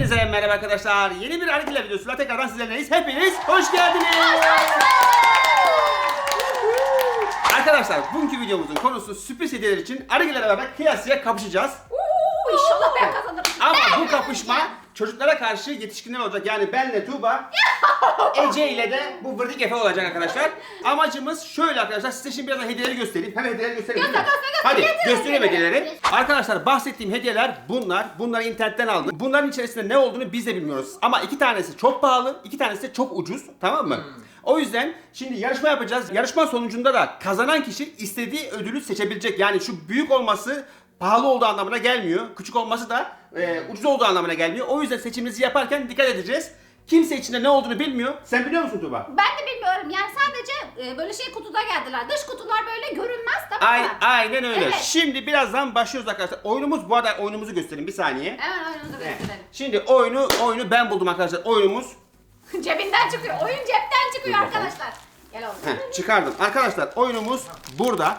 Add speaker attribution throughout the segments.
Speaker 1: Hepinize merhaba arkadaşlar. Yeni bir Arıgile videosuyla tekrardan sizlerleyiz. Hepiniz hoş geldiniz. Arkadaşlar bugünkü videomuzun konusu sürpriz hediyeler için Arıgile'yle beraber kıyasıya kapışacağız.
Speaker 2: İnşallah ben kazanırım.
Speaker 1: Ama bu kapışma çocuklara karşı yetişkinler olacak. Yani benle Tuğba, Ece ile de bu Vırdık Efe olacak arkadaşlar. Amacımız şöyle arkadaşlar. Size şimdi biraz da hediyeleri göstereyim. Hemen hediyeleri göstereyim. Hadi göstereyim hediyeleri. Arkadaşlar bahsettiğim hediyeler bunlar. Bunları internetten aldım. Bunların içerisinde ne olduğunu biz de bilmiyoruz. Ama iki tanesi çok pahalı, iki tanesi de çok ucuz. Tamam mı? O yüzden şimdi yarışma yapacağız. Yarışma sonucunda da kazanan kişi istediği ödülü seçebilecek. Yani şu büyük olması pahalı olduğu anlamına gelmiyor. Küçük olması da ucuz olduğu anlamına gelmiyor. O yüzden seçimimizi yaparken dikkat edeceğiz. Kimse içinde ne olduğunu bilmiyor. Sen biliyor musun Tuğba?
Speaker 2: Ben de bilmiyorum. Yani sadece böyle şey kutuda geldiler. Dış kutular böyle görünmez, tamam mı?
Speaker 1: Aynen öyle.
Speaker 2: Evet.
Speaker 1: Şimdi birazdan başlıyoruz arkadaşlar. Oyunumuz, bu arada oyunumuzu göstereyim bir saniye.
Speaker 2: Hemen oyunumuzu gösterelim.
Speaker 1: Şimdi oyunu ben buldum arkadaşlar. Oyunumuz
Speaker 2: Cebinden çıkıyor. Oyun cepten çıkıyor arkadaşlar. Gel oğlum.
Speaker 1: çıkardım. Arkadaşlar oyunumuz burada.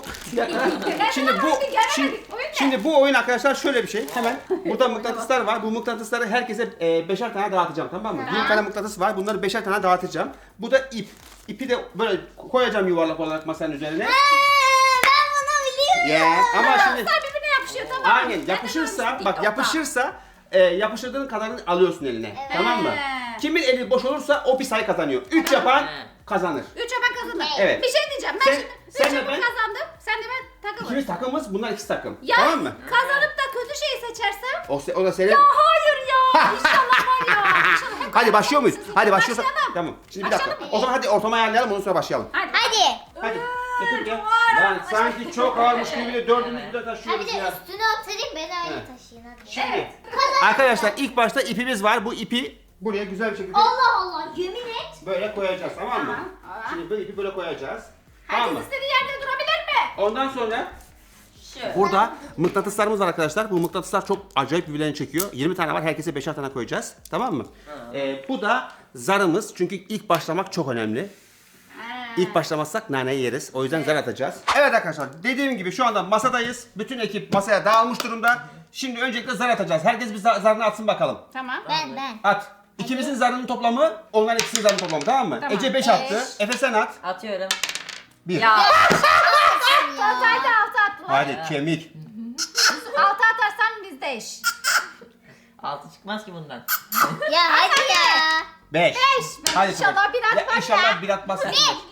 Speaker 1: Şimdi bu oyun arkadaşlar şöyle bir şey. Hemen burada mıknatıslar var. Bu mıknatısları herkese beşer tane dağıtacağım, tamam mı? Bir tane mıknatıs var. Bunları beşer tane dağıtacağım. Bu da ip. İpi de böyle koyacağım yuvarlak olarak masanın üzerine.
Speaker 3: Ben bunu biliyorum.
Speaker 1: Ya ama şimdi
Speaker 2: Birbirine yapışıyor, tamam mı?
Speaker 1: aynen yapışırsa bak yapışırsa yapıştırdığın kadarını alıyorsun eline. Tamam mı? Kimin eli boş olursa o bir sayı kazanıyor. 3 yapan kazanır.
Speaker 2: 3'e ben kazandım.
Speaker 1: Evet.
Speaker 2: Bir şey diyeceğim. Ben
Speaker 1: Sen-
Speaker 2: şimdi
Speaker 1: sen
Speaker 2: 3'e
Speaker 1: de ben-
Speaker 2: kazandım. Sen de ben takımım.
Speaker 1: İkimiz takımız, bunlar ikisi takım.
Speaker 2: Ya
Speaker 1: Tamam mı?
Speaker 2: kazanıp da kötü şeyi seçersem?
Speaker 1: O da senin.
Speaker 2: Ya hayır ya. İnşallah var ya. İnşallah hep
Speaker 1: Hadi başlıyor muyuz? Hadi başlıyorsak.
Speaker 2: Başlayalım.
Speaker 1: Tamam. Şimdi bir dakika.
Speaker 2: Başlayalım.
Speaker 1: O zaman hadi ortama ayarlayalım, ondan sonra başlayalım.
Speaker 2: Hadi.
Speaker 3: Hadi.
Speaker 1: Hadi. Getir gel.
Speaker 2: var.
Speaker 1: Lan sanki çok ağırmış gibi de dördümüzü de
Speaker 3: Ha bir
Speaker 1: taşıyoruz
Speaker 3: de
Speaker 1: ya.
Speaker 3: üstüne oturayım ben öyle
Speaker 1: Evet.
Speaker 3: taşıyayım hadi.
Speaker 1: Şimdi arkadaşlar ilk başta ipimiz var. Bu ipi buraya güzel bir şekilde
Speaker 3: Allah Allah yemin et.
Speaker 1: böyle koyacağız, tamam mı?
Speaker 2: Tamam.
Speaker 1: Şimdi bu ipi böyle koyacağız. Tamam
Speaker 2: Herkes
Speaker 1: mı?
Speaker 2: istediği yerde durabilir mi?
Speaker 1: Ondan sonra
Speaker 2: Şöyle.
Speaker 1: burada mıknatıslarımız var arkadaşlar. Bu mıknatıslar çok acayip birbirlerini çekiyor. 20 tane var. Herkese 5'er tane koyacağız. Tamam mı? Bu da zarımız. Çünkü ilk başlamak çok önemli. İlk başlamazsak naneyi yeriz. O yüzden zar atacağız. Evet arkadaşlar, dediğim gibi şu anda masadayız. Bütün ekip masaya dağılmış durumda. Şimdi öncelikle zar atacağız. Herkes bir zarını atsın bakalım.
Speaker 2: Tamam.
Speaker 3: Ben.
Speaker 1: At. İkimizin zarının toplamı, onların ikisinin zarının toplamı, tamam mı?
Speaker 2: Tamam.
Speaker 1: Ece 5 attı. Efe sen at.
Speaker 4: Atıyorum.
Speaker 1: 1.
Speaker 4: Ya.
Speaker 2: Altı attılar.
Speaker 1: Hadi kemik.
Speaker 2: 6 atarsan bizde iş.
Speaker 4: 6 çıkmaz ki bundan.
Speaker 3: Ya hadi ya.
Speaker 1: 5. Hadi
Speaker 2: İnşallah
Speaker 1: Tuğba.
Speaker 2: bir atmaz ya.
Speaker 1: İnşallah bir atmazsın.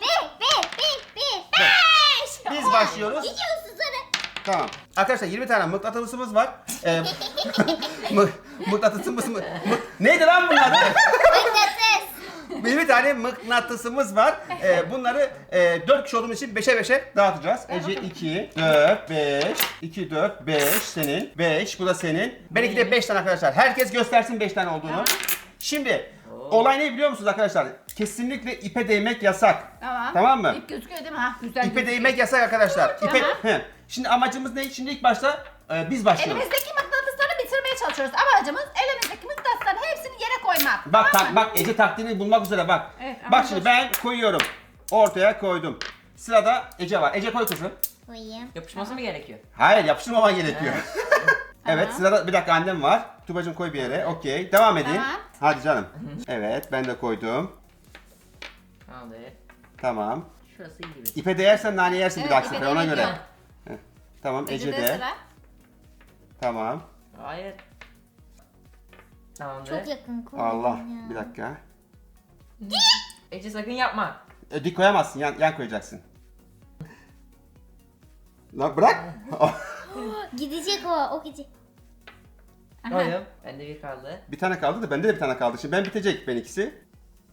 Speaker 3: Bir.
Speaker 1: Biz başlıyoruz.
Speaker 3: Gidiyorsun sana.
Speaker 1: Tamam. Arkadaşlar 20 tane mıknatısımız var. Mıknatısımız mı? Neydi lan bunlar?
Speaker 3: Mıknatıs.
Speaker 1: 20 tane mıknatısımız var. Bunları 4 kişi olduğumuz için 5'e 5'e dağıtacağız. Ece 2, 4, 5, 2, 4, 5 senin, 5 bu da senin. Benimki de 5 tane arkadaşlar. Herkes göstersin 5 tane olduğunu. Şimdi olay ne biliyor musunuz arkadaşlar? Kesinlikle ipe değmek yasak. Tamam mı?
Speaker 2: İp gözüküyor değil mi? Ha, güzel.
Speaker 1: İpe değmek yasak arkadaşlar. İpe...
Speaker 2: Tamam.
Speaker 1: He. Şimdi amacımız ne? Şimdi ilk başta biz başlıyoruz.
Speaker 2: Elimizdeki mıknatısları bitirmeye çalışıyoruz. Amacımız elimizdeki mıknatısların hepsini yere koymak.
Speaker 1: Bak
Speaker 2: Tamam mı?
Speaker 1: bak Ece taktiğini bulmak üzere bak.
Speaker 2: Evet, ama
Speaker 1: bak şimdi
Speaker 2: dur.
Speaker 1: ben koyuyorum. Ortaya koydum. Sırada Ece var. Ece koy kızım.
Speaker 3: Koyayım.
Speaker 4: Yapışması mı gerekiyor?
Speaker 1: Hayır, yapıştırmaman gerekiyor. Evet,
Speaker 2: Tamam.
Speaker 1: sırada bir dakika annem var. Tubacığım koy bir yere. Okey. Devam edin.
Speaker 2: Tamam.
Speaker 1: Hadi canım. Evet, ben de koydum.
Speaker 4: Tamamdır.
Speaker 1: Tamam.
Speaker 4: Şurası iyi gibi.
Speaker 1: İpe değersen nane yersin bir
Speaker 2: Evet,
Speaker 1: dahaki
Speaker 2: ipe
Speaker 1: sefer ona
Speaker 2: değmek
Speaker 1: göre.
Speaker 2: yok.
Speaker 1: Heh. Tamam, Ece
Speaker 2: Ece'de
Speaker 1: de.
Speaker 2: sıra.
Speaker 1: Tamam.
Speaker 4: Hayır. Tamamdır.
Speaker 3: Çok yakın koydum
Speaker 1: Allah.
Speaker 3: ya.
Speaker 1: Bir dakika.
Speaker 4: Ece sakın yapma.
Speaker 1: Dik koyamazsın. Yan koyacaksın. Lan bırak.
Speaker 3: Gidecek o gidecek.
Speaker 2: Aha.
Speaker 4: Koydum. Bende bir kaldı.
Speaker 1: Bir tane kaldı da bende de bir tane kaldı. Şimdi ben bitecek benimkisi.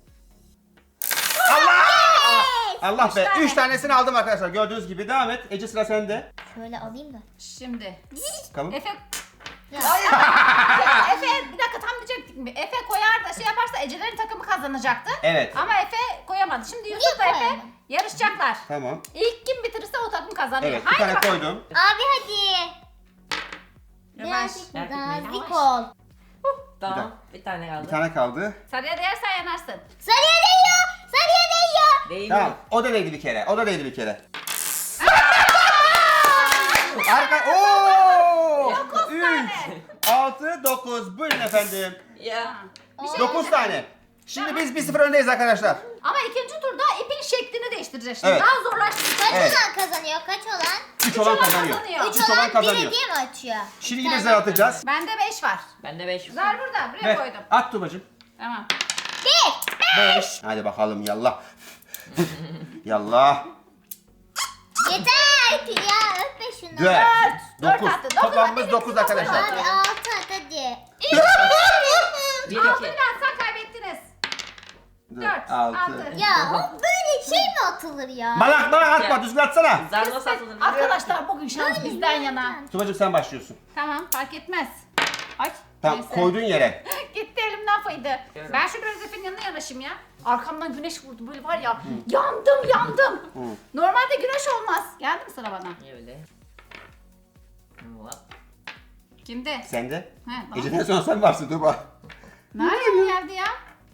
Speaker 1: Allah be.
Speaker 2: tane.
Speaker 1: 3 tanesini aldım arkadaşlar. Gördüğünüz gibi. Devam et. Ece sıra sende.
Speaker 3: Şöyle alayım da.
Speaker 2: Şimdi.
Speaker 1: Bakalım.
Speaker 2: Efe.
Speaker 3: Ya.
Speaker 2: Ya Efe bir dakika tam diyecektik mi? Efe koyar da şey yaparsa Ece'lerin takımı kazanacaktı.
Speaker 1: Evet.
Speaker 2: Ama Efe koyamadı. Şimdi Yusuf da Efe
Speaker 3: koyamadı?
Speaker 2: yarışacaklar.
Speaker 1: Tamam.
Speaker 2: İlk kim bitirirse o takım kazanıyor.
Speaker 1: Evet. Bir
Speaker 2: Haydi
Speaker 1: tane
Speaker 2: bakalım.
Speaker 1: koydum.
Speaker 3: Abi hadi.
Speaker 2: Yavaş.
Speaker 3: Birazcık
Speaker 4: Yavaş.
Speaker 3: nazik ol.
Speaker 4: Tamam. Bir tane kaldı.
Speaker 1: Bir tane kaldı.
Speaker 2: Sarıya değersen yanarsın.
Speaker 3: Sarıya değiyor. Sarıya değiyor.
Speaker 4: Değil
Speaker 1: Tamam.
Speaker 4: mi?
Speaker 1: O da değdi bir kere. O da değdi bir kere. Arka. Oo! 3. 6, 9. Buyurun efendim.
Speaker 4: Ya.
Speaker 1: 9 tane. Şimdi biz 1-0 öndeyiz arkadaşlar.
Speaker 2: Ama ikinci turda ipin şeklini değiştireceğiz şimdi.
Speaker 1: Evet.
Speaker 2: Daha zorlaştıracağız.
Speaker 3: Kaç
Speaker 1: Evet.
Speaker 3: olan kazanıyor? Kaç olan?
Speaker 1: 3 olan
Speaker 2: olan
Speaker 1: kazanıyor.
Speaker 2: kazanıyor.
Speaker 3: 3
Speaker 1: Üç olan
Speaker 3: olan bir
Speaker 1: kazanıyor.
Speaker 3: hediye mi açıyor?
Speaker 1: Şimdi yine zar atacağız.
Speaker 2: Bende 5 var.
Speaker 4: Bende 5.
Speaker 2: Zar burada. Buraya
Speaker 1: Ve
Speaker 2: koydum.
Speaker 1: at Tuğba'cığım.
Speaker 2: Tamam.
Speaker 1: 5. Hadi bakalım yallah. Yallah.
Speaker 3: Yeter ki ya öpme şunu.
Speaker 1: 4.
Speaker 2: Dört
Speaker 1: 9.
Speaker 2: attı. Dokuz
Speaker 1: Toplamımız
Speaker 2: attı.
Speaker 1: 9 arkadaşlar.
Speaker 3: Hadi 6 at hadi.
Speaker 4: 1
Speaker 2: Altı
Speaker 4: 2.
Speaker 2: birazdan kaybettiniz. 4,
Speaker 1: 6.
Speaker 2: 6.
Speaker 3: Ya o böyle şey mi atılır ya?
Speaker 1: Malak atma, düzgün atsana.
Speaker 4: Zar nasıl atılır? bilmiyorum.
Speaker 2: Arkadaşlar bugün şans bizden yana.
Speaker 1: Tuğba'cığım sen başlıyorsun.
Speaker 2: Tamam fark etmez. Ay.
Speaker 1: Tamam,
Speaker 2: neyse.
Speaker 1: koyduğun yere.
Speaker 2: Gitti elimden faydı.
Speaker 4: Evet.
Speaker 2: Ben şu biraz Efe'nin yanına yanaşayım ya. Arkamdan güneş vurdu böyle var ya. Yandım. Normalde güneş olmaz. Geldi mi sıra bana?
Speaker 4: Niye öyle? Hop.
Speaker 2: Kimde?
Speaker 1: Sen de.
Speaker 2: He, tamam.
Speaker 1: Geceden sonra sen varsın Tuğba.
Speaker 2: Nerede bu geldi ya?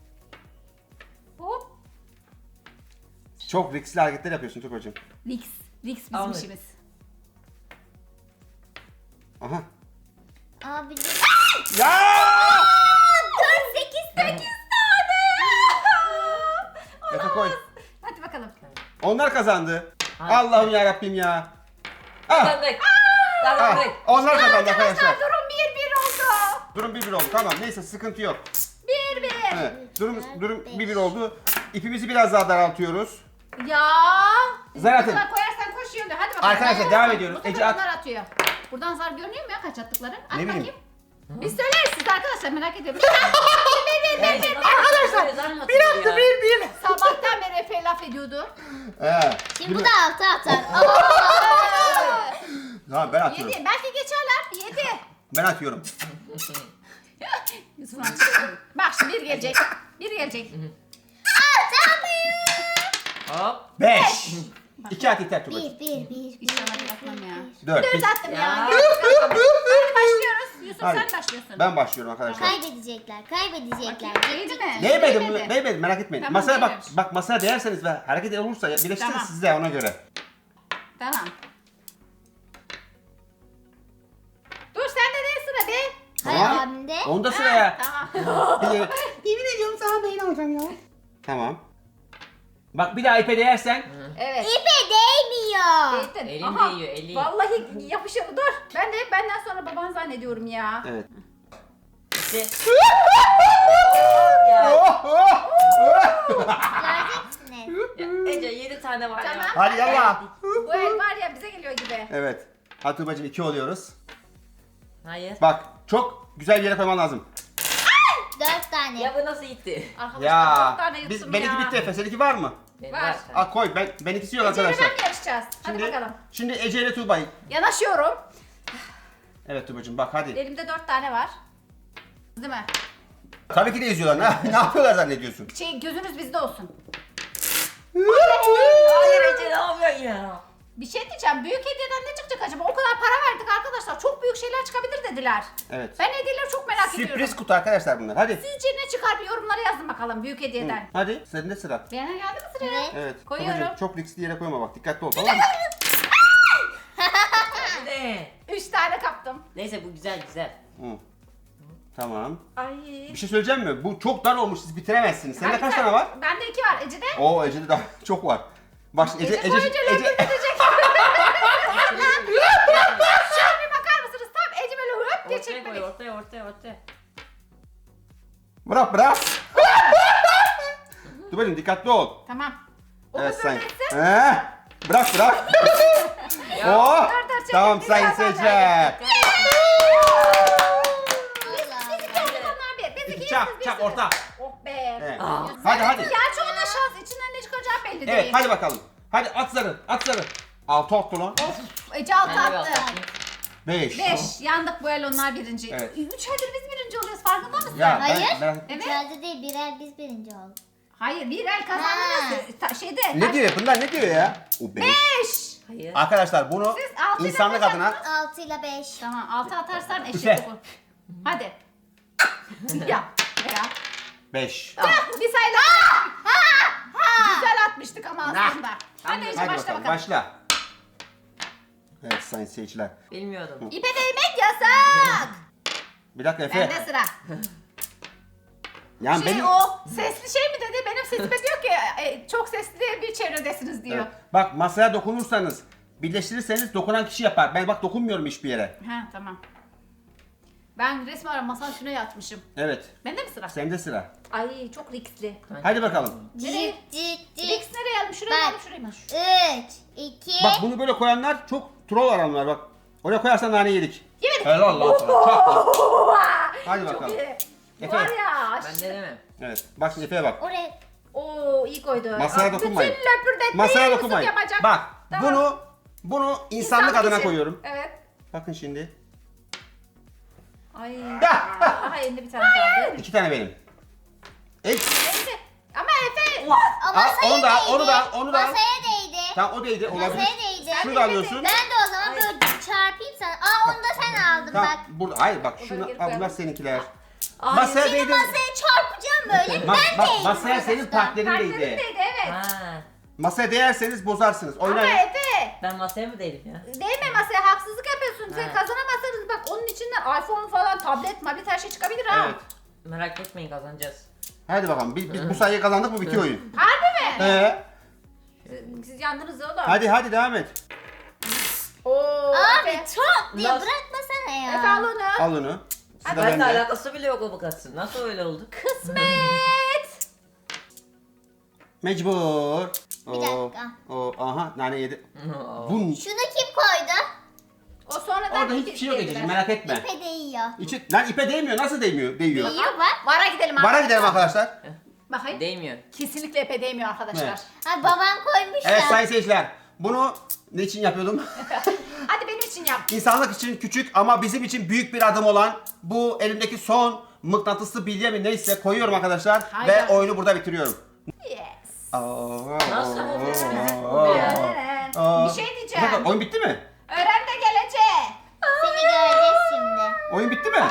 Speaker 2: Hop.
Speaker 1: Çok riskli hareketler yapıyorsun Tuğba'cığım.
Speaker 2: Rix bizim
Speaker 4: Anladım.
Speaker 2: işimiz.
Speaker 1: Aha.
Speaker 3: Abi
Speaker 1: Ya!
Speaker 3: 8
Speaker 1: Efe koy.
Speaker 2: Hadi bakalım.
Speaker 1: Onlar kazandı.
Speaker 4: Hadi.
Speaker 1: Allah'ım ya Rabbim ya. Ah,
Speaker 4: Kazandık.
Speaker 1: ah,
Speaker 4: Kazandık.
Speaker 1: onlar kazandı
Speaker 2: Arkadaşlar
Speaker 1: arkadaşlar.
Speaker 2: durum 1-1 oldu.
Speaker 1: Durum 1-1 oldu. Tamam neyse sıkıntı yok.
Speaker 2: 1-1.
Speaker 1: Evet. Durum 1-1 oldu. İpimizi biraz daha daraltıyoruz.
Speaker 2: Ya.
Speaker 1: Zar atın.
Speaker 2: Buna koyarsan koşuyor diyor. Hadi bakalım.
Speaker 1: Arkadaşlar,
Speaker 2: Hadi
Speaker 1: devam
Speaker 2: bakalım.
Speaker 1: ediyoruz.
Speaker 2: Bu
Speaker 1: Ece
Speaker 2: sefer
Speaker 1: at.
Speaker 2: onlar atıyor. Buradan zar görünüyor mu ya kaç attıkları? At
Speaker 1: Ne bileyim.
Speaker 2: bakayım. Biz söyleriz siz arkadaşlar merak ediyorum.
Speaker 4: Arkadaşlar. Bir attı
Speaker 1: 1-1.
Speaker 2: Sabahtan beri Efe laf ediyordu.
Speaker 3: Şimdi bu da 6 atar.
Speaker 1: Tamam ben atıyorum.
Speaker 2: 7. Belki geçerler. 7.
Speaker 1: Ben atıyorum.
Speaker 2: Yusuf amca. Bak şimdi bir gelecek. Bir gelecek.
Speaker 4: Hop.
Speaker 1: 5. 2 at yeter Tuğba'cığım.
Speaker 3: 1
Speaker 2: İnşallah bir atmam ya.
Speaker 1: 4.
Speaker 2: 4 attım ya.
Speaker 4: Ya.
Speaker 2: Hadi başlıyoruz. Yusuf
Speaker 1: Hadi.
Speaker 2: sen başlıyorsun.
Speaker 1: Ben başlıyorum arkadaşlar.
Speaker 3: Kaybedecekler.
Speaker 2: Değdi mi?
Speaker 1: Değmedim, değmedim merak etmeyin.
Speaker 2: Tamam,
Speaker 1: Masaya bak,
Speaker 2: değmemiş.
Speaker 1: bak masaya değerseniz ve hareket olursa birleştirirsiniz
Speaker 2: Tamam.
Speaker 1: siz de ona göre.
Speaker 2: Tamam. Dur sen de ne sıra be?
Speaker 3: Hayır abimde.
Speaker 1: Onda sıra ya.
Speaker 2: Tamam.
Speaker 1: Yemin ediyorum sana beyin alacağım ya. Tamam. Bak bir daha ipe değersen.
Speaker 2: Evet.
Speaker 3: İpe değmiyor.
Speaker 2: Değdin.
Speaker 4: Elim
Speaker 2: Aha,
Speaker 4: değiyor, elim.
Speaker 2: Vallahi yapışıyor. Dur. Ben de hep benden sonra baban zannediyorum ya.
Speaker 1: Evet.
Speaker 4: İşte. Ya.
Speaker 1: Oh, oh, oh.
Speaker 3: Göreceksiniz.
Speaker 4: Ya, Ece 7 tane var
Speaker 2: Tamam.
Speaker 4: ya.
Speaker 1: Hadi yallah.
Speaker 2: Bu el var ya bize geliyor gibi.
Speaker 1: Evet. Hadi Tuğba'cığım 2 oluyoruz.
Speaker 4: Hayır.
Speaker 1: Bak çok güzel bir yere koyman lazım.
Speaker 3: 4 tane.
Speaker 4: Ya bu nasıl gitti?
Speaker 2: Arkadaşlar
Speaker 1: Ya.
Speaker 2: dört tane yuttum
Speaker 1: Benimki
Speaker 2: ya.
Speaker 1: bitti Efe. Seninki var mı?
Speaker 4: Benim
Speaker 2: Var.
Speaker 4: var.
Speaker 1: Al koy. Benimkisi yok
Speaker 2: Ece'yle
Speaker 1: arkadaşlar.
Speaker 2: ben mi yarışacağız? Hadi bakalım.
Speaker 1: Şimdi Ece ile Tuğba'yı.
Speaker 2: Yanaşıyorum.
Speaker 1: Evet Tuğba'cığım bak hadi.
Speaker 2: Elimde 4 tane var. Değil mi?
Speaker 1: Tabii ki de izliyorlar. Ne yapıyorlar zannediyorsun?
Speaker 2: Gözünüz bizde olsun.
Speaker 4: Hayır Ece ne yapıyorsun ya?
Speaker 2: Bir şey diyeceğim. Büyük hediyeden ne çıkacak acaba? O kadar para verdik arkadaşlar. Çok büyük şeyler çıkabilir dediler.
Speaker 1: Evet.
Speaker 2: Ben hediyeleri çok merak ediyorum.
Speaker 1: Sürpriz kutu arkadaşlar bunlar. Hadi.
Speaker 2: Sizce ne çıkar bir yorumlara yazın bakalım büyük hediyeden.
Speaker 1: Hadi. Sende sıra.
Speaker 2: Beğenen geldi mi sıraya?
Speaker 3: Evet.
Speaker 1: Evet.
Speaker 2: Koyuyorum.
Speaker 1: Tuğba'cığım, çok riskli yere koyma bak. Dikkatli ol tamam mı?
Speaker 4: Ne?
Speaker 2: 3 tane kaptım.
Speaker 4: Neyse bu güzel güzel.
Speaker 1: Hı. Tamam.
Speaker 2: Ay.
Speaker 1: Bir şey söyleyeceğim mi? Bu çok dar olmuş. Siz bitiremezsiniz. Sende kaç tane var?
Speaker 2: Bende 2 var. Ece'de?
Speaker 1: Oo Ece'de daha çok var. Bak şimdi
Speaker 2: Ece koyunca löpür edecek. Şöyle bir bakar mısınız? Tam Ece böyle höp diye
Speaker 4: Ortaya koy
Speaker 2: çekmeli.
Speaker 4: ortaya.
Speaker 1: Bırak. Tuğba'cığım dikkatli ol.
Speaker 2: Tamam. O
Speaker 1: Evet
Speaker 2: da
Speaker 1: sen.
Speaker 2: böyle etsin.
Speaker 1: Bırak. Oh.
Speaker 2: dur,
Speaker 1: Tamam
Speaker 2: çekil,
Speaker 1: sayın
Speaker 2: bir tane
Speaker 1: seyirciler.
Speaker 3: Allah
Speaker 2: Biz 2 olduk onlar bir. Biz 2
Speaker 1: Çak orta.
Speaker 2: Oh be.
Speaker 1: Evet.
Speaker 4: Aa.
Speaker 1: Hadi.
Speaker 2: Gerçi o da şans. İçinden ne çıkacağı belli değil.
Speaker 1: Evet hadi bakalım. Hadi at zarı. Altı attı lan.
Speaker 2: Of. Ece altı
Speaker 4: Ben de bir
Speaker 2: attı.
Speaker 4: atayım.
Speaker 1: 5.
Speaker 2: 5. Yandık bu el onlar birinci.
Speaker 1: Evet.
Speaker 2: 3 aydır biz birinci oluyoruz farkında mısın?
Speaker 1: Ya
Speaker 3: Hayır.
Speaker 1: ben...
Speaker 2: Evet.
Speaker 3: İçeride değil birer biz birinci olduk.
Speaker 2: Hayır bir el kazandınız. Şeyde.
Speaker 1: Ne diyor? Bunlar ne diyor ya? O 5.
Speaker 2: 5.
Speaker 4: Hayır.
Speaker 1: Arkadaşlar bunu
Speaker 2: Siz altı
Speaker 1: insanlık
Speaker 2: ile
Speaker 1: adına
Speaker 3: 6 ile 5.
Speaker 2: Tamam 6 atarsan
Speaker 1: Üfe.
Speaker 2: eşit olur. Hadi. Ya.
Speaker 1: 5.
Speaker 2: Bir sayıda. Güzel atmıştık ama aslında. Hadi Ece
Speaker 1: Hadi
Speaker 2: başla
Speaker 1: bakalım
Speaker 2: bakalım.
Speaker 1: başla. Evet sayın seyirciler.
Speaker 4: Bilmiyordum.
Speaker 2: İpe değmek yasak.
Speaker 1: Bir dakika Efe.
Speaker 2: Bende sıra.
Speaker 1: Yani benim...
Speaker 2: O sesli şey mi dedi? Benim sesime diyor ki çok sesli bir çevredesiniz diyor.
Speaker 1: Evet. Bak masaya dokunursanız, birleştirirseniz dokunan kişi yapar. Ben bak dokunmuyorum hiçbir yere.
Speaker 2: Ha tamam. Ben resmen masanın üstüne yatmışım.
Speaker 1: Evet.
Speaker 2: Bende mi sıra?
Speaker 1: Sende sıra.
Speaker 2: Ay çok riskli.
Speaker 1: Hadi bakalım.
Speaker 2: Nereye?
Speaker 3: Cik cik cik.
Speaker 2: Risk nereye aldım? Şuraya
Speaker 3: Ben-
Speaker 2: aldım, şuraya mı?
Speaker 3: 3, 2,
Speaker 1: Bak bunu böyle koyanlar çok troll adamlar bak. Oraya koyarsan nane yedik.
Speaker 2: Yemedik.
Speaker 1: Helal lan sana. Çok iyi. Hadi
Speaker 2: Çok
Speaker 1: bakalım.
Speaker 2: iyi.
Speaker 1: Efe.
Speaker 2: Var ya.
Speaker 4: Ben denemem.
Speaker 1: Evet. Bak şimdi Efe'ye bak.
Speaker 3: oraya.
Speaker 2: Oo iyi koydu.
Speaker 1: Masaya
Speaker 2: Aa,
Speaker 1: dokunmayın.
Speaker 2: Bütün löpürdetmeyi
Speaker 1: Masaya
Speaker 2: Yusuf
Speaker 1: dokunmayın.
Speaker 2: yapacak.
Speaker 1: Bak
Speaker 2: Tamam.
Speaker 1: bunu insanlık adına
Speaker 2: için.
Speaker 1: koyuyorum.
Speaker 2: Evet.
Speaker 1: Bakın şimdi.
Speaker 2: Ay. Aha elinde bir tane kaldı.
Speaker 1: 2 tane benim.
Speaker 2: Neyse. Ama Efe.
Speaker 3: O masaya
Speaker 1: onu da al,
Speaker 3: değdi.
Speaker 1: onu da al, onu da al.
Speaker 3: Masaya değdi.
Speaker 1: Tamam o değdi olabilir.
Speaker 3: Masaya değdi.
Speaker 1: Şunu da alıyorsun.
Speaker 3: Ben de o zaman böyle çarpayım sana. Aa onu da sen aldın
Speaker 1: Tamam
Speaker 3: bak.
Speaker 1: burada hayır bak
Speaker 2: da
Speaker 1: şunu
Speaker 2: geri
Speaker 1: al bunlar
Speaker 2: koyalım.
Speaker 1: seninkiler.
Speaker 4: Ay,
Speaker 1: Masaya
Speaker 3: Şimdi
Speaker 1: değdi.
Speaker 3: masaya çarpacağım böyle. Ben
Speaker 1: Bak
Speaker 3: değdim.
Speaker 1: masaya senin partnerin değdi.
Speaker 2: Partnerindeydi evet.
Speaker 4: Ha.
Speaker 1: Masaya değerseniz bozarsınız.
Speaker 2: Ama
Speaker 1: Oynayın.
Speaker 2: Efe.
Speaker 4: Ben masaya mı değilim ya?
Speaker 2: Değme masaya haksızlık yapıyorsun. Sen
Speaker 4: Evet.
Speaker 2: kazanamazsanız bak onun içinden iPhone falan, tablet her şey çıkabilir ha.
Speaker 1: Evet.
Speaker 4: Merak etmeyin kazanacağız.
Speaker 1: Hadi bakalım. Biz bu sayıyı kazandık mı bitiyor oyun.
Speaker 2: Harbi mi?
Speaker 1: Siz
Speaker 2: yandınız oğlum.
Speaker 1: hadi devam et.
Speaker 2: Oo,
Speaker 3: Abi
Speaker 2: Efe.
Speaker 3: çok diye
Speaker 4: Nasıl?
Speaker 3: bırakmasana ya.
Speaker 2: Efe al onu.
Speaker 1: Al onu. Sıra
Speaker 4: Benimle
Speaker 1: bende.
Speaker 4: alakası bile yok o bakatsın. Nasıl öyle oldu?
Speaker 2: Kısmet.
Speaker 1: Mecbur.
Speaker 3: Bir dakika.
Speaker 1: Aha nane yedi. Bunun
Speaker 3: Şunu kim koydu?
Speaker 2: O sonradan
Speaker 1: orada hiçbir şey yok Ececiğim merak etme.
Speaker 3: İpe değiyor.
Speaker 1: Lan ipe değmiyor. Nasıl değmiyor? Değiyor.
Speaker 3: Değiyor bak.
Speaker 2: Vara gidelim
Speaker 1: Bara gidelim arkadaşlar.
Speaker 2: Bakayım.
Speaker 4: Değmiyor.
Speaker 2: Kesinlikle Efe değmiyor arkadaşlar.
Speaker 1: Evet.
Speaker 3: Ay babam koymuş
Speaker 1: Evet
Speaker 3: ya.
Speaker 1: sayın seyirciler. Bunu ne için yapıyordum?
Speaker 2: Hadi benim için yap.
Speaker 1: İnsanlık için küçük ama bizim için büyük bir adım olan bu elimdeki son mıknatıslı bilye mi neyse koyuyorum arkadaşlar.
Speaker 2: Haydi.
Speaker 1: Ve oyunu burada bitiriyorum.
Speaker 2: Yes.
Speaker 4: Nasıl oluyor?
Speaker 2: Bir şey diyeceğim.
Speaker 1: Bir dakika, oyun bitti mi?
Speaker 2: Öğren de gelecek.
Speaker 3: Seni göreceğiz şimdi.
Speaker 1: Oyun bitti mi?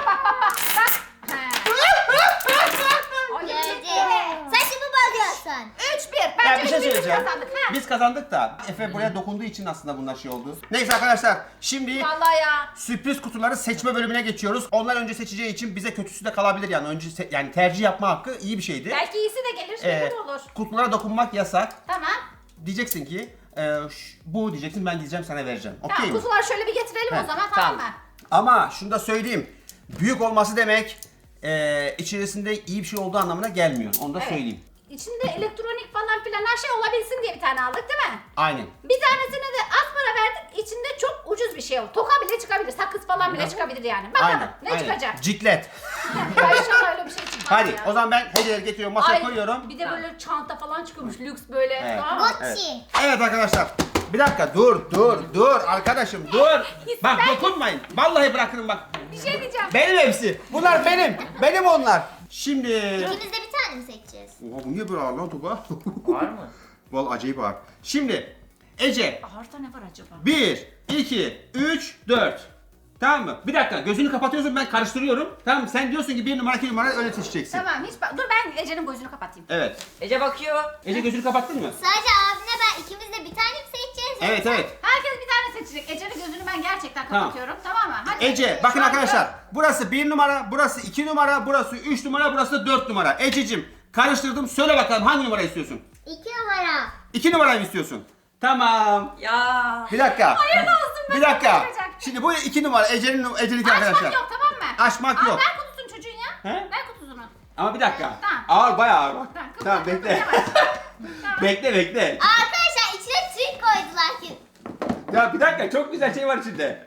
Speaker 3: Göreceğiz. Sen şimdi bozuyorsun.
Speaker 2: 3-1.
Speaker 1: Ya
Speaker 2: Bence
Speaker 1: bir şey
Speaker 2: biz
Speaker 1: söyleyeceğim.
Speaker 2: kazandık. Ha?
Speaker 1: Biz kazandık da Efe buraya dokunduğu için aslında bunlar şey oldu. Neyse arkadaşlar şimdi
Speaker 2: Vallahi ya.
Speaker 1: sürpriz kutuları seçme bölümüne geçiyoruz. Onlar önce seçeceği için bize kötüsü de kalabilir yani. Önce yani tercih yapma hakkı iyi bir şeydi.
Speaker 2: Belki iyisi de gelir. Ne olur.
Speaker 1: Kutulara dokunmak yasak.
Speaker 2: Tamam.
Speaker 1: Diyeceksin ki bu diyeceksin ben diyeceğim sana vereceğim. Okey
Speaker 2: Tamam
Speaker 1: mi?
Speaker 2: kutuları şöyle bir getirelim
Speaker 1: He,
Speaker 2: o zaman tamam mı?
Speaker 1: Ama şunu da söyleyeyim. Büyük olması demek içerisinde iyi bir şey olduğu anlamına gelmiyor. Onu da
Speaker 2: Evet.
Speaker 1: söyleyeyim.
Speaker 2: İçinde elektronik falan filan her şey olabilsin diye bir tane aldık değil mi?
Speaker 1: Aynen.
Speaker 2: Bir tanesine de az para verdik. İçinde çok ucuz bir şey oldu. Toka bile çıkabilir, sakız falan bile çıkabilir yani. Bakalım
Speaker 1: Aynen.
Speaker 2: ne
Speaker 1: aynen.
Speaker 2: çıkacak?
Speaker 1: Ciklet.
Speaker 2: Ya inşallah öyle bir şey çıkmaz
Speaker 1: Hadi
Speaker 2: ya.
Speaker 1: o zaman ben hediyeleri getiriyorum masaya
Speaker 2: Ay,
Speaker 1: koyuyorum.
Speaker 2: Bir de böyle çanta falan çıkıyormuş lüks böyle.
Speaker 1: Evet.
Speaker 2: Tamam mı?
Speaker 1: Evet.
Speaker 3: Gucci.
Speaker 1: Evet arkadaşlar. Bir dakika dur arkadaşım dur. Bak dokunmayın. Vallahi bırakın bak.
Speaker 2: Bir şey diyeceğim.
Speaker 1: Benim hepsi. Bunlar benim. Benim onlar. Şimdi.
Speaker 3: İkimiz de bir tane mi seçeceğiz?
Speaker 1: Oha bu niye böyle ağır lan Tuba?
Speaker 4: Var mı?
Speaker 1: Vallahi acayip ağır. Şimdi Ece
Speaker 2: Ağırda ne var acaba?
Speaker 1: 1, 2, 3, 4. Tamam mı? Bir dakika gözünü kapatıyorsun ben karıştırıyorum. Tamam mı? Sen diyorsun ki 1 numara 2 numara öyle seçeceksin.
Speaker 2: Tamam dur ben Ece'nin gözünü kapatayım.
Speaker 1: Evet.
Speaker 4: Ece bakıyor.
Speaker 1: Ece gözünü kapattın mı?
Speaker 3: Sadece abine ben ikimiz de bir tane mi seçeceğiz?
Speaker 1: Evet evet.
Speaker 2: Herkes bir tane seçecek. Ece'nin gözünü ben gerçekten kapatıyorum. Tamam mı? Hadi.
Speaker 1: Ece bakın arkadaşlar. Burası 1 numara, burası 2 numara, burası 3 numara, burası 4 numara. Ececiğim karıştırdım. Söyle bakalım hangi numara istiyorsun?
Speaker 3: 2 numara.
Speaker 1: 2 numarayı mı istiyorsun? Tamam.
Speaker 4: Ya.
Speaker 1: Bir dakika.
Speaker 2: Hayırlı olsun, ben
Speaker 1: Bir dakika.
Speaker 2: kaçıracak.
Speaker 1: Şimdi bu 2 numara Ece'ninki
Speaker 2: Açmak
Speaker 1: arkadaşlar.
Speaker 2: yok tamam mı?
Speaker 1: Açmak yok.
Speaker 2: Ver kutusunu çocuğun ya.
Speaker 1: He?
Speaker 2: Ver kutusunu.
Speaker 1: Ama bir dakika.
Speaker 2: Tamam.
Speaker 1: Ağır bayağı ağır bak.
Speaker 2: Tamam,
Speaker 1: Tamam
Speaker 2: kıpırda,
Speaker 1: bekle.
Speaker 2: kıpırda, Tamam.
Speaker 1: Bekle.
Speaker 3: Arkadaşlar içine trik koydular ki.
Speaker 1: Ya bir dakika çok güzel şey var içinde.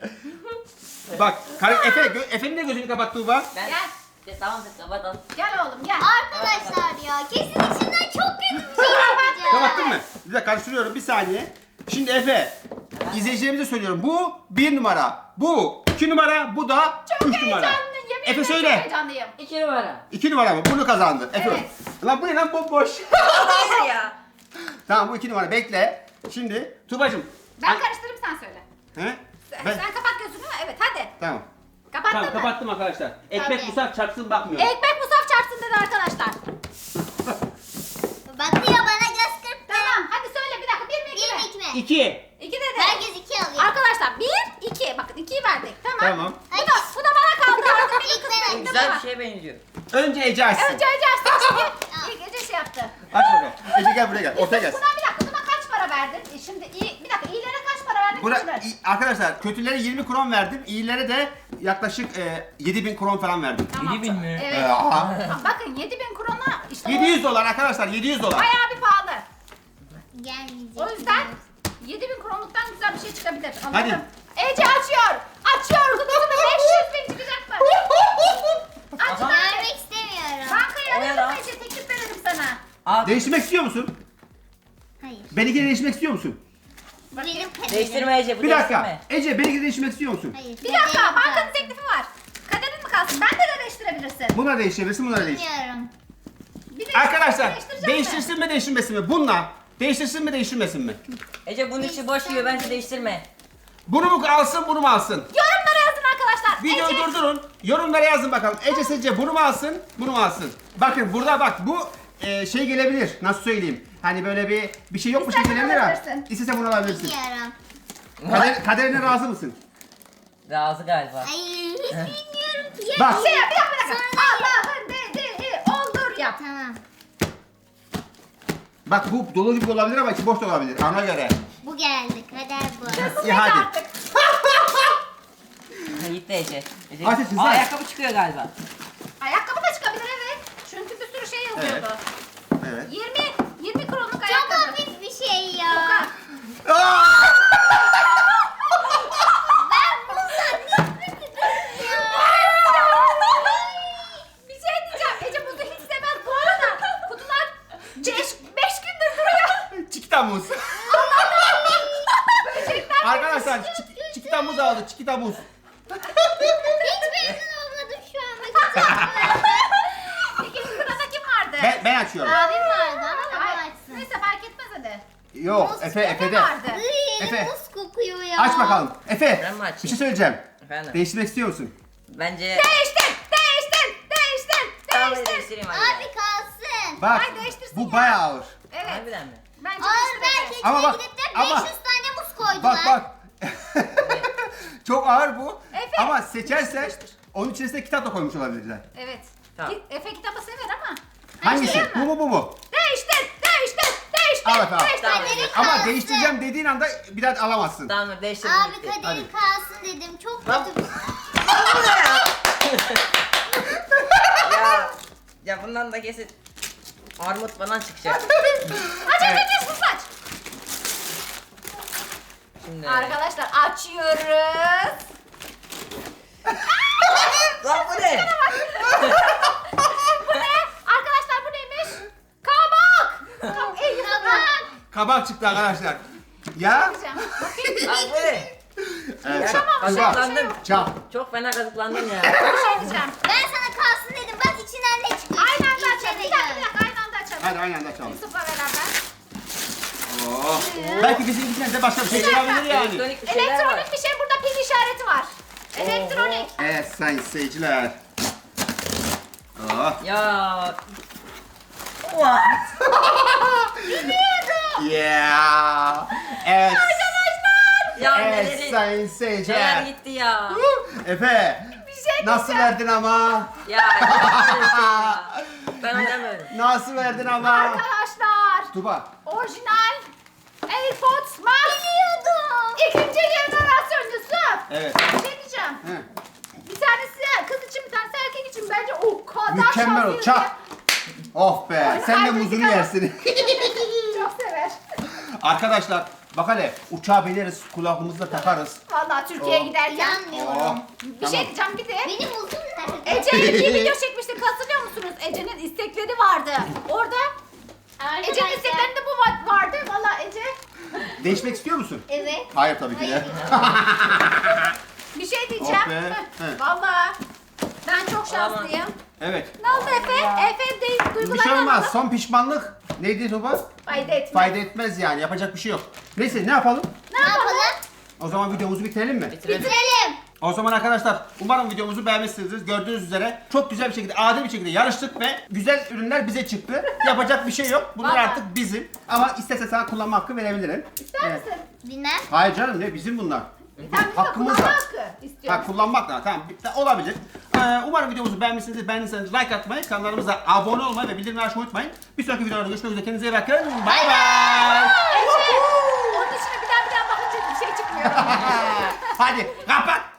Speaker 1: Bak Efe'nin de gözünü kapat Tuğba.
Speaker 4: Ben...
Speaker 2: Gel.
Speaker 4: Tamam kapatalım.
Speaker 2: Gel oğlum gel.
Speaker 3: Arkadaşlar ya kesin içinden çok kötü bir şey yapacağız.
Speaker 1: Kapattın mı? Bir dakika karıştırıyorum bir saniye. Şimdi Efe, izleyicilerimize söylüyorum. Bu 1 numara, bu 2 numara, bu da 3 numara.
Speaker 2: Heyecanlıyım. Yemin
Speaker 1: Efe
Speaker 2: ederim
Speaker 1: söyle.
Speaker 2: Çok heyecanlıyım.
Speaker 4: 2 numara.
Speaker 1: 2 numara mı? Bunu kazandı. Efe.
Speaker 2: Evet.
Speaker 1: Lan bu ne lan bomboş.
Speaker 4: Hayır ya.
Speaker 1: Tamam bu 2 numara bekle. Şimdi Tuğbacığım.
Speaker 2: Ben karıştırayım sen söyle.
Speaker 1: He?
Speaker 2: Sen kapat gözünü. Evet hadi.
Speaker 1: Tamam.
Speaker 2: Kapattın
Speaker 1: Tamam
Speaker 2: mı?
Speaker 1: kapattım arkadaşlar. Ekmek
Speaker 3: Tabii.
Speaker 1: musaf çarpsın bakmıyor.
Speaker 2: Ekmek musaf çarpsın dedi arkadaşlar.
Speaker 3: Bakıyor bana göz kırptı.
Speaker 2: Tamam hadi söyle bir dakika. 1 mi 2 mi?
Speaker 3: 1 mi 2 mi?
Speaker 1: 2.
Speaker 2: 2 dedi.
Speaker 3: Herkes 2 alıyor.
Speaker 2: Arkadaşlar 1 2 bakın 2'yi verdik tamam.
Speaker 1: Tamam.
Speaker 2: Bu da bana kaldı artık benim
Speaker 3: İlk ben
Speaker 2: kısmetim
Speaker 4: Güzel bir şeye benziyor.
Speaker 1: Önce Ece açsın.
Speaker 2: Önce Ece açtı çünkü ilk Ece şey yaptı.
Speaker 1: Aç bakalım. Ece gel buraya gel. Ortaya gel.
Speaker 2: Buna bir dakika, buna kaç para verdin? Şimdi bir dakika, iyilere kaç para verdin? kötülere?
Speaker 1: Arkadaşlar kötülere 20 kron verdim. İyilere de yaklaşık 7000 kron falan verdim.
Speaker 2: Tamam.
Speaker 4: 7000 mi?
Speaker 2: Evet.
Speaker 1: Aa.
Speaker 2: Bakın 7000 krona işte
Speaker 1: 700 dolar arkadaşlar 700 dolar.
Speaker 2: bayağı bir pahalı.
Speaker 3: Gelmeyecek.
Speaker 2: O yüzden 7000 kronluktan güzel bir şey çıkabilir. Anladın?
Speaker 1: Hadi.
Speaker 2: Ece açıyor. Açıyor. Kutusunda 500 bin çıkacak mı? Aç
Speaker 4: Aha.
Speaker 2: bence.
Speaker 3: Vermek istemiyorum.
Speaker 2: Bankayı
Speaker 4: O ne
Speaker 2: arayalım
Speaker 4: lan?
Speaker 2: Ece. Teklif verelim sana.
Speaker 4: Aa,
Speaker 1: Değiştirmek istiyor musun?
Speaker 3: Hayır.
Speaker 1: Benimkini değiştirmek istiyor musun?
Speaker 3: Benim kaderim.
Speaker 4: değiştirme Ece bu
Speaker 1: Bir dakika.
Speaker 4: değiştirme.
Speaker 1: Ece benimkini değiştirmek istiyor musun?
Speaker 3: Hayır.
Speaker 2: Bir dakika.
Speaker 3: kaderim
Speaker 2: Bankanın
Speaker 3: kalsın.
Speaker 2: teklifi var. Kaderin mi kalsın? Ben de değiştirebilirsin.
Speaker 1: Buna değiştirebilirsin, buna da değiştir.
Speaker 3: Bilmiyorum.
Speaker 2: Bir de
Speaker 1: Arkadaşlar
Speaker 2: değiştirecek mi?
Speaker 1: değiştirsin mi değiştirmesin mi? Bununla değiştirsin mi değiştirmesin mi?
Speaker 4: Ece bunun içi boş gibi bence değiştirme.
Speaker 1: Bunu mu alsın bunu mu alsın?
Speaker 2: Yorumlara yazın arkadaşlar.
Speaker 1: Videoyu
Speaker 2: Ece.
Speaker 1: durdurun. Yorumlara yazın bakalım. Ece sizce bunu mu alsın bunu mu alsın? Bakın burada bak bu şey gelebilir. Nasıl söyleyeyim? Hani böyle bir şey yokmuş gibi
Speaker 2: İstersen
Speaker 1: gelebilir ha.
Speaker 2: alabilirsin.
Speaker 1: İstese bunu alabilirsin.
Speaker 3: Bilmiyorum.
Speaker 1: Kaderine razı mısın?
Speaker 4: Razı galiba.
Speaker 3: Hayır hiç bilmiyorum ki.
Speaker 1: Bak.
Speaker 2: Şey yap, bir dakika.
Speaker 3: Sonra-
Speaker 2: Allah'ın dediği olur yap.
Speaker 3: Tamam.
Speaker 1: Bak bu dolu gibi olabilir ama içi boş da olabilir. Ana göre.
Speaker 3: Bu geldi. Kader bu.
Speaker 2: Kısmet
Speaker 1: hadi.
Speaker 2: artık.
Speaker 4: Ha, gitti Ece. Ece.
Speaker 1: Aç Ece,
Speaker 4: Aa,
Speaker 1: sen.
Speaker 4: ayakkabı çıkıyor galiba.
Speaker 2: Ayakkabı da çıkabilir evet. Çünkü bir sürü şey yazıyordu.
Speaker 1: Evet.
Speaker 2: 20 kronluk
Speaker 3: Çok
Speaker 2: ayakkabı.
Speaker 3: hafif bir şey ya.
Speaker 1: Aa!
Speaker 3: Ben bundan nefret ediyorum
Speaker 2: Bir şey diyeceğim. Ece buzu hiç sevmez bu arada. Kutular 5 gündür duruyor.
Speaker 1: Çikita muz. Arkadaşlar çikita muz aldı. Çikita muz.
Speaker 3: Hiç memnun olmadım şu anda.
Speaker 2: İkinci sırada kim vardı?
Speaker 1: Ben açıyorum.
Speaker 3: Abim vardı ama baba
Speaker 2: Ay,
Speaker 3: açsın.
Speaker 2: neyse fark etmez hadi.
Speaker 1: Yok Efe'de.
Speaker 2: vardı.
Speaker 1: Efe.
Speaker 3: Muz kokuyor ya.
Speaker 1: Aç bakalım. Efe
Speaker 4: Ben mi açayım?
Speaker 1: bir şey söyleyeceğim.
Speaker 4: Efendim.
Speaker 1: Değiştirmek istiyor musun?
Speaker 4: Bence
Speaker 2: Değiştir.
Speaker 4: tamam değiştireyim hadi.
Speaker 3: Abi kalsın.
Speaker 1: Bak
Speaker 2: Ay, değiştirsin
Speaker 1: bu
Speaker 2: ya.
Speaker 1: bayağı ağır.
Speaker 2: Evet.
Speaker 4: Harbiden mi?
Speaker 2: Bence
Speaker 3: Ağır
Speaker 2: değiştir.
Speaker 3: belki
Speaker 1: Ama
Speaker 3: içine
Speaker 1: bak,
Speaker 3: gidip de 500
Speaker 1: ama-
Speaker 3: tane muz koydular.
Speaker 1: Bak. Çok ağır bu.
Speaker 2: Efe.
Speaker 1: Ama seçersen onun içerisine kitap da koymuş olabilirler.
Speaker 2: Evet.
Speaker 4: Tamam.
Speaker 2: Efe kitabı sever ama.
Speaker 1: Hangisi?
Speaker 2: Değiştireyim mi?
Speaker 1: Bu mu?
Speaker 2: Değiştir.
Speaker 1: Al efendim.
Speaker 4: Tamam.
Speaker 3: Kaderin
Speaker 1: Ama
Speaker 3: kalsın.
Speaker 1: değiştireceğim dediğin anda bir daha alamazsın.
Speaker 4: Tamam değiştirdim
Speaker 3: Abi
Speaker 4: gitti.
Speaker 3: kaderin
Speaker 1: Hadi.
Speaker 3: kalsın dedim. Çok
Speaker 4: Lan-
Speaker 3: kötü.
Speaker 4: Ya bundan da kesin armut falan çıkacak.
Speaker 2: Aç sus aç.
Speaker 4: Şimdi.
Speaker 2: Arkadaşlar açıyoruz.
Speaker 4: Lan bu ne?
Speaker 2: Bu ne? Arkadaşlar bu neymiş? Kabak. Kabak.
Speaker 1: Kabak çıktı arkadaşlar. Ya.
Speaker 2: Bakayım.
Speaker 4: Lan bu ne?
Speaker 1: Evet,
Speaker 2: Tamam,
Speaker 4: Kazıklandım.
Speaker 1: Çal.
Speaker 4: Çok fena kazıklandım ya.
Speaker 2: Bir şey diyeceğim.
Speaker 3: Ben sana kalsın dedim. Bak içinden ne çıkıyor?
Speaker 2: Aynı anda
Speaker 3: İlk
Speaker 2: açalım. Bir
Speaker 3: eve
Speaker 2: dakika
Speaker 3: gel.
Speaker 2: bir dakika aynı anda açalım.
Speaker 1: Hadi aynı anda açalım.
Speaker 2: Yusuf'la beraber.
Speaker 1: Oh. Belki bizim ikisinden de başka bir şey gelebilir yani.
Speaker 4: Elektronik bir şeyler var.
Speaker 2: Elektronik bir şey burada pil işareti var. Elektronik.
Speaker 1: Evet sayın seyirciler. Oh.
Speaker 4: Ya.
Speaker 1: Yeah. Evet.
Speaker 4: Ya
Speaker 1: Evet
Speaker 4: neleri?
Speaker 1: sayın
Speaker 4: Neler
Speaker 1: seyirciler.
Speaker 4: gitti ya.
Speaker 1: Efe.
Speaker 2: Bir şey
Speaker 1: Nasıl
Speaker 2: diyeceğim.
Speaker 1: verdin ama?
Speaker 4: Ya. Ya. Ben oynamıyorum.
Speaker 1: Nasıl verdin ama?
Speaker 2: Arkadaşlar.
Speaker 1: Tuba.
Speaker 2: Orijinal AirPods Max. Biliyordum. İkinci jenerasyon Yusuf.
Speaker 1: Evet.
Speaker 2: Bir şey diyeceğim.
Speaker 1: He.
Speaker 2: Bir tanesi kız için bir tanesi erkek için bence o kadar
Speaker 1: Mükemmel
Speaker 2: şanslıyız
Speaker 1: ol. Çak.
Speaker 2: ki.
Speaker 1: Oh be.
Speaker 2: Oyunu
Speaker 1: Sen de
Speaker 2: kaybettik
Speaker 1: muzunu
Speaker 2: ama.
Speaker 1: yersin.
Speaker 2: Çok sever.
Speaker 1: Arkadaşlar bak hele uçağa bineriz kulağımızda takarız.
Speaker 2: Vallahi Türkiye'ye
Speaker 1: Oh.
Speaker 2: giderken.
Speaker 3: Yanmıyorum.
Speaker 2: Bir şey diyeceğim bir de.
Speaker 3: Benim uzun nerede?
Speaker 2: Ece bir video çekmiştik hatırlıyor musunuz? Ece'nin istekleri vardı. Orada Ece'nin
Speaker 3: Arkadaşlar.
Speaker 2: isteklerinde bu vardı. Vallahi Ece
Speaker 1: Değişmek istiyor musun?
Speaker 3: Evet.
Speaker 1: Hayır tabii ki de.
Speaker 2: bir şey diyeceğim.
Speaker 1: Oh be, he.
Speaker 2: Vallahi ben çok şanslıyım.
Speaker 1: Evet.
Speaker 2: Ne oldu Efe? Efe değil
Speaker 1: Bir
Speaker 2: duygularını
Speaker 1: şey olmaz.
Speaker 2: anladım.
Speaker 1: Son pişmanlık neydi Tuba?
Speaker 2: Fayda etmez.
Speaker 1: Fayda etmez yani. Yapacak bir şey yok. Neyse ne yapalım?
Speaker 3: Ne yapalım?
Speaker 1: O zaman videomuzu bitirelim mi?
Speaker 4: Bitirelim.
Speaker 3: Bitirelim.
Speaker 1: O zaman arkadaşlar umarım videomuzu beğenmişsinizdir. Gördüğünüz üzere çok güzel bir şekilde, adil bir şekilde yarıştık ve güzel ürünler bize çıktı. Yapacak bir şey yok. Bunlar
Speaker 2: Vallahi.
Speaker 1: artık bizim. Ama istese sana kullanma hakkı verebilirim.
Speaker 2: İster
Speaker 1: Evet.
Speaker 2: misin?
Speaker 3: Bilmem.
Speaker 1: Hayır canım ne bizim bunlar.
Speaker 2: Sen bize
Speaker 1: Hakkımız
Speaker 2: kullanma
Speaker 1: var.
Speaker 2: hakkı istiyorsun.
Speaker 1: Ha kullanmak da tamam olabilir. Umarım videomuzu beğenmişsinizdir. Beğendiyseniz like atmayı, kanalımıza abone olmayı ve bildirimleri açmayı unutmayın. Bir sonraki videolarda görüşmek üzere. Kendinize iyi bakın. Bay bay.
Speaker 2: Onun içine bir daha bakınca bir şey çıkmıyor.
Speaker 1: Hadi kapat.